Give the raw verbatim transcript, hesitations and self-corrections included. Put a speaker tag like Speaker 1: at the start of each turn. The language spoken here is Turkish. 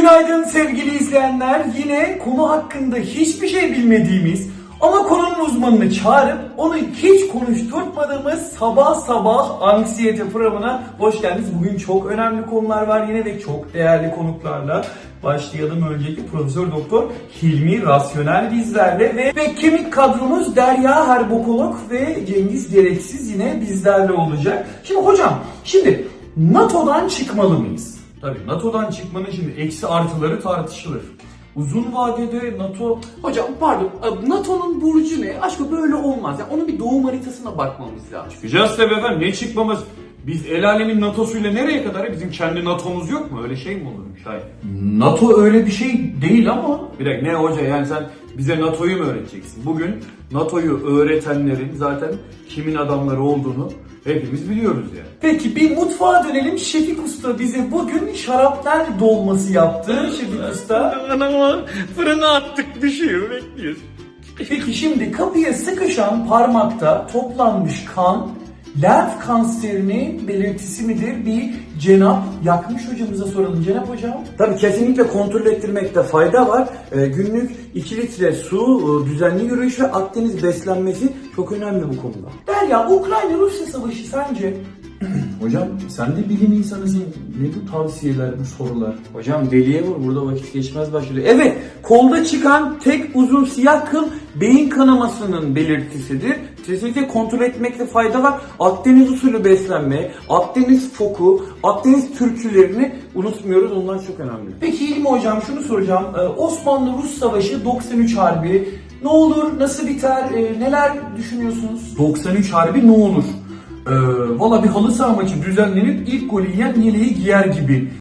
Speaker 1: Günaydın sevgili izleyenler. Yine konu hakkında hiçbir şey bilmediğimiz ama konunun uzmanını çağırıp onu hiç konuşturtmadığımız sabah sabah anksiyete programına hoş geldiniz. Bugün çok önemli konular var yine ve çok değerli konuklarla. Başlayalım öncelikle Profesör Doktor Hilmi Rasyonel bizlerle ve, ve kemik kadromuz Derya Herbokolog ve Cengiz Gereksiz yine bizlerle olacak. Şimdi hocam, şimdi NATO'dan çıkmalı mıyız? Tabii NATO'dan çıkmanın şimdi eksi artıları tartışılır. Uzun vadede NATO...
Speaker 2: Hocam pardon, NATO'nun burcu ne? Aşkım böyle olmaz. Yani onun bir doğum haritasına bakmamız lazım.
Speaker 3: Çıkacağız tabii efendim, ne çıkmamız? Biz el alemin NATO'suyla nereye kadar? Bizim kendi NATO'muz yok mu? Öyle şey mi olurmuş? Hayır.
Speaker 1: NATO öyle bir şey değil ama...
Speaker 3: Bir dakika, ne hoca, yani sen bize NATO'yu mu öğreteceksin? Bugün NATO'yu öğretenlerin zaten kimin adamları olduğunu hepimiz biliyoruz yani.
Speaker 1: Peki bir mutfağa dönelim. Şefik Usta bize bugün şarapnel dolması yaptı. Şefik Usta.
Speaker 3: Anama fırına attık, düşüyor, bekliyoruz.
Speaker 1: Peki şimdi kapıya sıkışan parmakta toplanmış kan lenf kanserinin belirtisi midir? Bir Cenap Yakmış hocamıza soralım. Cenap hocam.
Speaker 4: Tabii kesinlikle kontrol ettirmekte fayda var. Ee, günlük iki litre su, e, düzenli yürüyüş ve Akdeniz beslenmesi çok önemli bu konuda.
Speaker 1: Derya, Ukrayna-Rusya savaşı sence?
Speaker 4: Hocam sen de bilim insanısın. Ne bu tavsiyeler, bu sorular? Hocam deliye vur, burada vakit geçmez başlıyor. Evet, kolda çıkan tek uzun siyah kıl beyin kanamasının belirtisidir. Kesinlikle kontrol etmekte fayda var. Akdeniz usulü beslenme, Akdeniz foku, Akdeniz türkülerini unutmuyoruz. Onlar çok önemli.
Speaker 1: Peki İlmi hocam, şunu soracağım. Ee, Osmanlı-Rus savaşı doksan üç Harbi. Ne olur, nasıl biter, ee, neler düşünüyorsunuz?
Speaker 5: doksan üç Harbi ne olur? Ee, Valla bir halı saha maçı düzenlenip ilk golü yiyen yeleği giyer gibi.